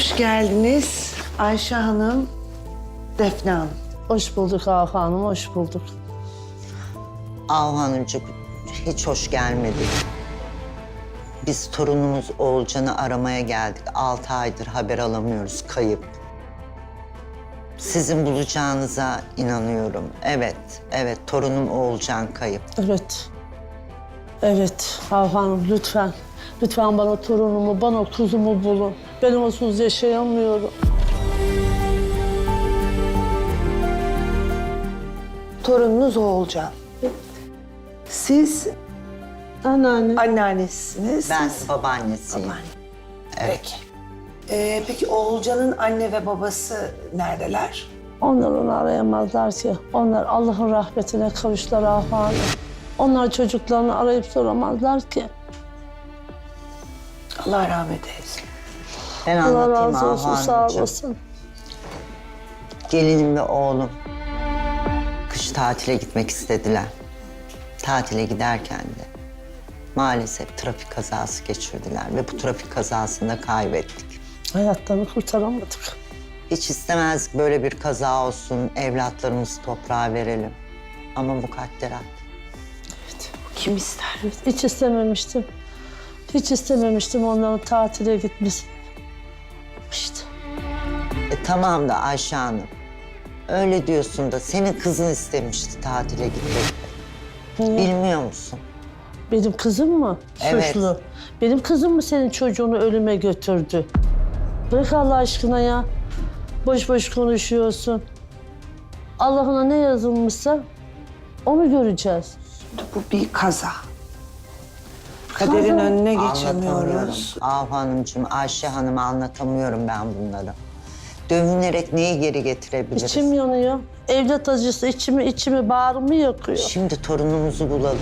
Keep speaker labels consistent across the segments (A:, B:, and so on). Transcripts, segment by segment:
A: Hoş geldiniz Ayşe Hanım, Defne Hanım.
B: Hoş bulduk Ahu Hanım, hoş bulduk.
C: Ahu Hanımcık, hiç hoş gelmedik. Biz torunumuz Oğulcan'ı aramaya geldik. 6 aydır haber alamıyoruz, kayıp. Sizin bulacağınıza inanıyorum. Evet, torunum Oğulcan kayıp.
B: Evet Ahu Hanım lütfen. Lütfen bana torunumu, bana kuzumu bulun. Ben onsuz yaşayamıyorum.
A: Torununuz Oğulcan. Siz
B: Anneanne.
A: anneannesiniz.
C: Ben
A: siz
C: babaannesiyim.
A: babaanne.
C: Evet.
A: Peki Oğulcan'ın anne ve babası neredeler?
B: Onlar onu arayamazlar ki. Onlar Allah'ın rahmetine kavuştular Ahu Hanım. Onlar çocuklarını arayıp soramazlar ki.
A: Allah rahmet eylesin.
C: Ben
B: Allah
C: anlatayım
B: razı
C: Ahu
B: olsun, sağ
C: Hanımcığım.
B: olasın.
C: Gelinim ve oğlum kış tatile gitmek istediler. Tatile giderken de maalesef trafik kazası geçirdiler ve bu trafik kazasında kaybettik.
B: Hayatlarını kurtaramadık.
C: Hiç istemezdik böyle bir kaza olsun, evlatlarımızı toprağa verelim. Ama mukadderat.
A: Kim ister?
B: Hiç istememiştim. Hiç istememiştim onların tatile gitmesini. İşte.
C: Tamam da Ayşe Hanım, öyle diyorsun da senin kızın istemişti tatile gitmek. Bilmiyor musun?
B: Benim kızım mı
C: Evet.
B: suçlu? Benim kızım mı senin çocuğunu ölüme götürdü? Bırak Allah aşkına ya. Boş boş konuşuyorsun. Allah'ına ne yazılmışsa onu göreceğiz.
A: Bu bir kaza. Kaderin önüne
C: Anlatamıyorum.
A: geçemiyoruz.
C: Ahu Hanımcığım, Ayşe Hanım'a anlatamıyorum ben bunları. Dövünerek neyi geri getirebiliriz?
B: İçim yanıyor. Evlat acısı içimi bağrımı yakıyor.
C: Şimdi torunumuzu bulalım.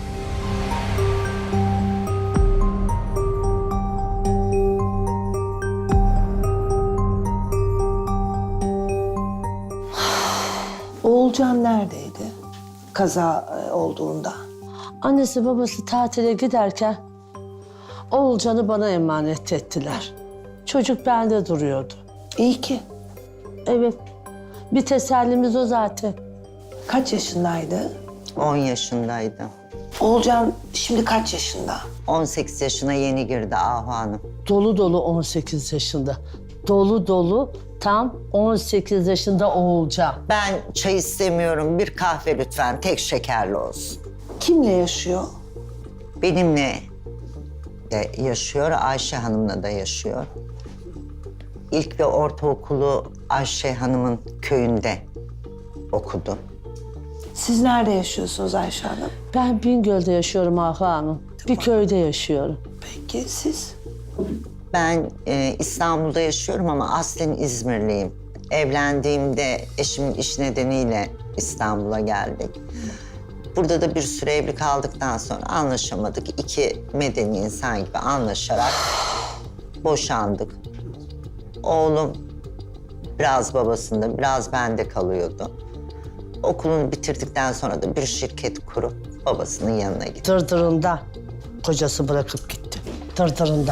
A: Oğulcan neredeydi kaza olduğunda?
B: Annesi babası tatile giderken Oğulcan'ı bana emanet ettiler. Çocuk bende duruyordu.
A: İyi ki.
B: Evet. Bir tesellimiz o zaten.
A: Kaç yaşındaydı?
C: 10 yaşındaydı.
A: Oğulcan şimdi kaç yaşında?
C: 18 yaşına yeni girdi Ahu Hanım.
B: Dolu dolu 18 yaşında. Dolu dolu tam 18 yaşında Oğulcan.
C: Ben çay istemiyorum. Bir kahve lütfen. Tek şekerli olsun.
A: Kimle yaşıyor?
C: Benimle de yaşıyor, Ayşe Hanım'la da yaşıyor. İlk ve ortaokulu Ayşe Hanım'ın köyünde okudu.
A: Siz nerede yaşıyorsunuz Ayşe Hanım?
B: Ben Bingöl'de yaşıyorum Ahu Hanım. Bir köyde yaşıyorum.
A: Peki siz?
C: Ben İstanbul'da yaşıyorum ama aslen İzmirliyim. Evlendiğimde eşimin iş nedeniyle İstanbul'a geldik. Burada da bir süre evli kaldıktan sonra anlaşamadık. İki medeni insan gibi anlaşarak boşandık. Oğlum biraz babasında, biraz bende kalıyordu. Okulunu bitirdikten sonra da bir şirket kurup babasının yanına gitti.
B: Dırdırında kocası bırakıp gitti. Dırdırında.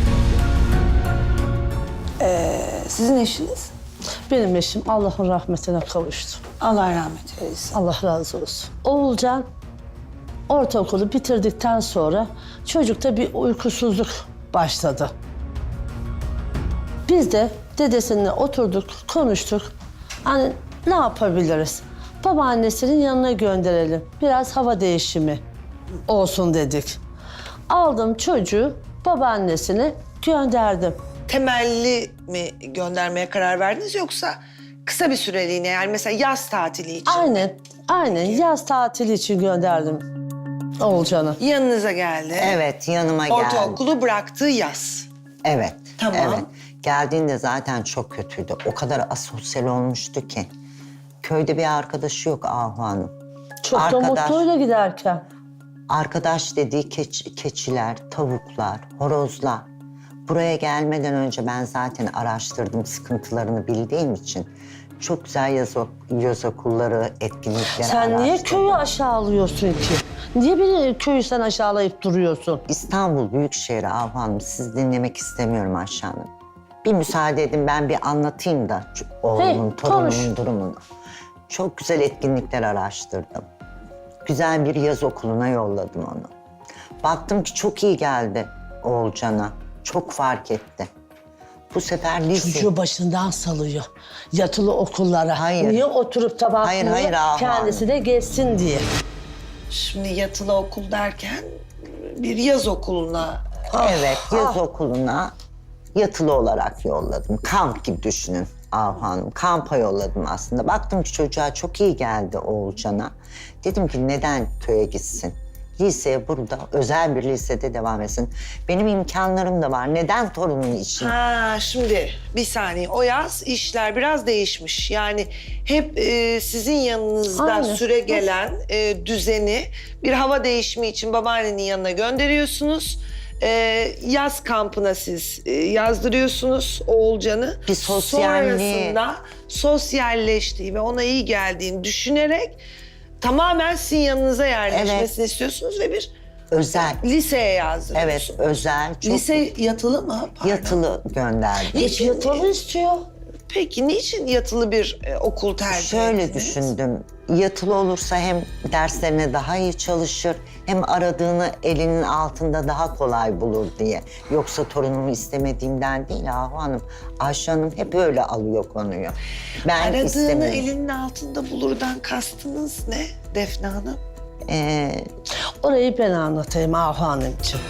A: Sizin eşiniz?
B: Benim eşim Allah'ın rahmetine kavuştu.
A: Allah rahmet eylesin.
B: Allah razı olsun. Oğulcan ortaokulu bitirdikten sonra çocukta bir uykusuzluk başladı. Biz de dedesininle oturduk, konuştuk. Hani ne yapabiliriz? Babaannesinin yanına gönderelim. Biraz hava değişimi olsun dedik. Aldım çocuğu babaannesine gönderdim.
D: Temelli mi göndermeye karar verdiniz yoksa kısa bir süreliğine yani mesela yaz tatili için
B: Aynen yaz tatili için gönderdim Oğulcan'ı.
D: yanınıza geldi?
C: Evet, yanıma geldi.
D: Ortaokulu bıraktığı yaz.
C: Evet,
D: Tamam.
C: evet. Geldiğinde zaten çok kötüydü. O kadar asosyal olmuştu ki. Köyde bir arkadaşı yok Ahu Hanım.
B: Çok da mutluydu giderken.
C: Arkadaş dediği keçiler, tavuklar, horozlar. Buraya gelmeden önce ben zaten araştırdım, sıkıntılarını bildiğim için. Çok güzel yaz okulları, etkinlikler
B: Sen niye
C: araştırdım.
B: köyü aşağılıyorsun ki? Niye beni köyü sen aşağılayıp duruyorsun?
C: İstanbul Büyükşehir Ahu Hanım, sizi dinlemek istemiyorum Ayşe Hanım. Bir müsaade edin ben bir anlatayım da oğlumun, torunumun
B: konuş.
C: durumunu. Çok güzel etkinlikler araştırdım. Güzel bir yaz okuluna yolladım onu. Baktım ki çok iyi geldi Oğulcan'a. Çok fark etti. Bu sefer lise...
B: Çocuğu başından salıyor. Yatılı okullara.
C: Hayır.
B: Niye oturup da bakmıyor?
C: Hayır, Ahu
B: Kendisi de geçsin diye.
D: Şimdi yatılı okul derken bir yaz okuluna.
C: Evet, yaz okuluna yatılı olarak yolladım. Kamp gibi düşünün Ahu Hanım. Kampa yolladım aslında. Baktım ki çocuğa çok iyi geldi Oğulcan'a. Dedim ki neden köye gitsin? Liseye burada, özel bir lisede devam etsin. Benim imkanlarım da var. Neden torunum için?
D: Ha şimdi bir saniye, o yaz işler biraz değişmiş. Yani hep sizin yanınızda
B: Aynen.
D: süre gelen düzeni bir hava değişimi için babaannenin yanına gönderiyorsunuz. Yaz kampına siz yazdırıyorsunuz Oğulcan'ı.
C: Bir sosyalliği-
D: Sonrasında sosyalleştiği ve ona iyi geldiğini düşünerek tamamen sizin yanınıza yerleşmesini istiyorsunuz ve bir
C: Özel.
D: liseye
C: Evet,
D: yazdırıyorsunuz.
C: özel. Çok
D: Lise yatılı mı? Pardon.
C: yatılı gönderdim.
B: Hiç yatılı istiyor.
D: Peki niçin yatılı bir okul tercih
C: Şöyle
D: ettiniz?
C: düşündüm. Yatılı olursa hem derslerine daha iyi çalışır, hem aradığını elinin altında daha kolay bulur diye. Yoksa torunumu istemediğimden değil Ahu Hanım. Ayşe Hanım hep öyle alıyor konuyu. Ben
D: Aradığını
C: istemiyorum.
D: elinin altında bulurdan kastınız ne Defne Hanım?
B: Orayı ben anlatayım Ahu Hanımcığım.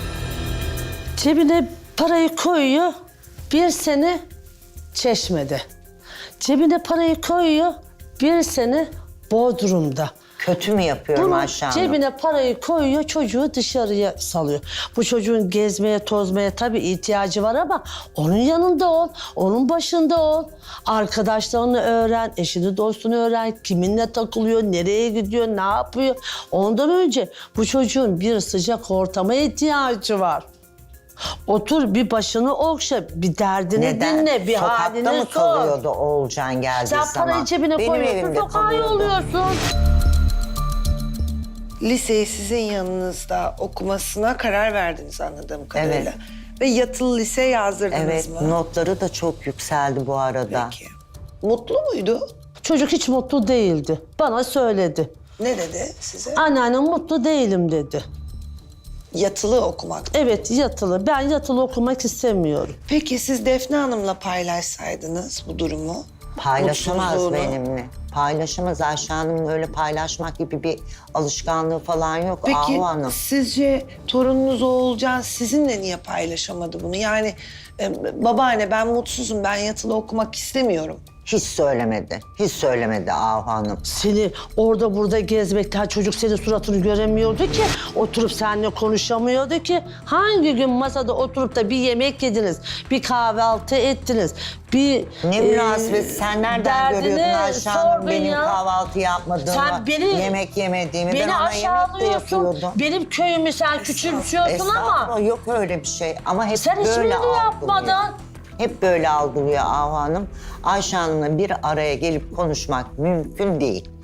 B: Cebine parayı koyuyor, bir sene Çeşme'de. Cebine parayı koyuyor, bir sene Bodrum'da.
C: Kötü mü yapıyorum
B: Bunu
C: Ayşe Hanım?
B: cebine parayı koyuyor, çocuğu dışarıya salıyor. Bu çocuğun gezmeye, tozmaya tabii ihtiyacı var ama onun yanında ol, onun başında ol. Arkadaşlarını öğren, eşini, dostunu öğren, kiminle takılıyor, nereye gidiyor, ne yapıyor. Ondan önce bu çocuğun bir sıcak ortama ihtiyacı var. Otur bir başını okşa, bir derdini
C: Neden?
B: dinle, bir
C: Sokakta
B: halini
C: mı
B: sor.
C: kalıyordu Oğulcan geldiği
B: Sen
C: zaman?
B: parayı cebine
C: Benim
B: koyuyorsun,
C: evimde
B: sokağa
C: kalıyordu.
B: yolluyorsun.
D: Liseyi sizin yanınızda okumasına karar verdiniz anladığım kadarıyla.
C: Evet.
D: Ve yatılı lise yazdırdınız
C: Evet,
D: mı?
C: notları da çok yükseldi bu arada.
D: Peki. Mutlu muydu?
B: Çocuk hiç mutlu değildi. Bana söyledi.
D: Ne dedi size?
B: Anneannem mutlu değilim dedi.
D: Yatılı okumak.
B: Evet yatılı. Ben yatılı okumak istemiyorum.
D: Peki siz Defne Hanım'la paylaşsaydınız bu durumu?
C: Paylaşamaz
D: mutsuzluğunu.
C: benimle. Paylaşamaz Ayşe Hanım'ın öyle paylaşmak gibi bir alışkanlığı falan yok
D: Peki
C: Ahu Hanım.
D: sizce torununuz Oğulcan sizinle niye paylaşamadı bunu? Yani babaanne ben mutsuzum, ben yatılı okumak istemiyorum.
C: Hiç söylemedi. Hiç söylemedi Ahu Hanım.
B: Seni orada burada gezmekten çocuk senin suratını göremiyordu ki. Oturup seninle konuşamıyordu ki. Hangi gün masada oturup da bir yemek yediniz, bir kahvaltı ettiniz, bir...
C: Ne münasebet sen nereden
B: derdini
C: görüyordun Ayşe Hanım
B: sordun
C: benim
B: ya.
C: kahvaltı yapmadığımı,
B: Sen beni,
C: yemek yemediğimi.
B: beni
C: Ben ona yemek de
B: aşağılıyorsun.
C: yapıyordum.
B: Benim köyümü sen küçümsüyorsun ama
C: Estağfurullah, yok öyle bir şey ama hep
B: sen
C: böyle
B: hiçbirini
C: algılıyor.
B: yapmadın.
C: Hep böyle algılıyor Ahu Hanım. Ayşe Hanım'la bir araya gelip konuşmak mümkün değil.